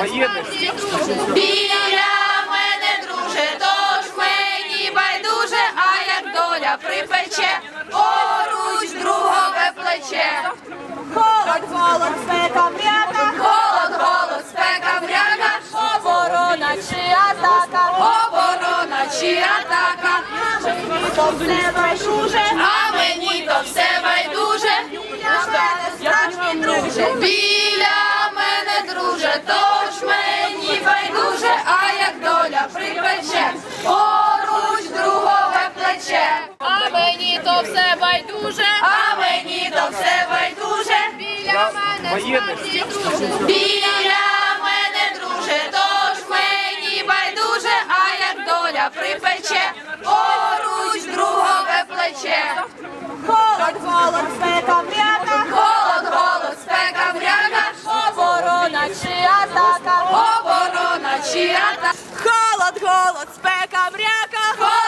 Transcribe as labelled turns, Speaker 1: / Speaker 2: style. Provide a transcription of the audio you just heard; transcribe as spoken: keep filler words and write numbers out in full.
Speaker 1: єдності.
Speaker 2: Біля мене, друже, тож мені байдуже, а як доля припече, поруч другове плече.
Speaker 3: Холод, голод, спека, мряка,
Speaker 2: Холод, голод, спека, вряга,
Speaker 3: оборона чи атака,
Speaker 2: оборона чи атака.
Speaker 3: то все байдуже,
Speaker 2: А мені то все байдуже.
Speaker 3: для мене справжній друже.
Speaker 2: Біля мене, друже, тож мені байдуже, а як доля припече, поруч другове плече.
Speaker 4: А мені то все байдуже,
Speaker 2: А мені то все байдуже.
Speaker 4: біля мене
Speaker 1: Єдності.
Speaker 2: Біля мене, друже, тож мені байдуже, а як доля припече, поруч другове плече.
Speaker 3: Холод, голод, спека, мряка,
Speaker 2: Холод, голод, спека, вряга,
Speaker 3: оборона чи атака,
Speaker 2: оборона чи атака.
Speaker 3: холод, голод, спека, мряка,
Speaker 2: Холод,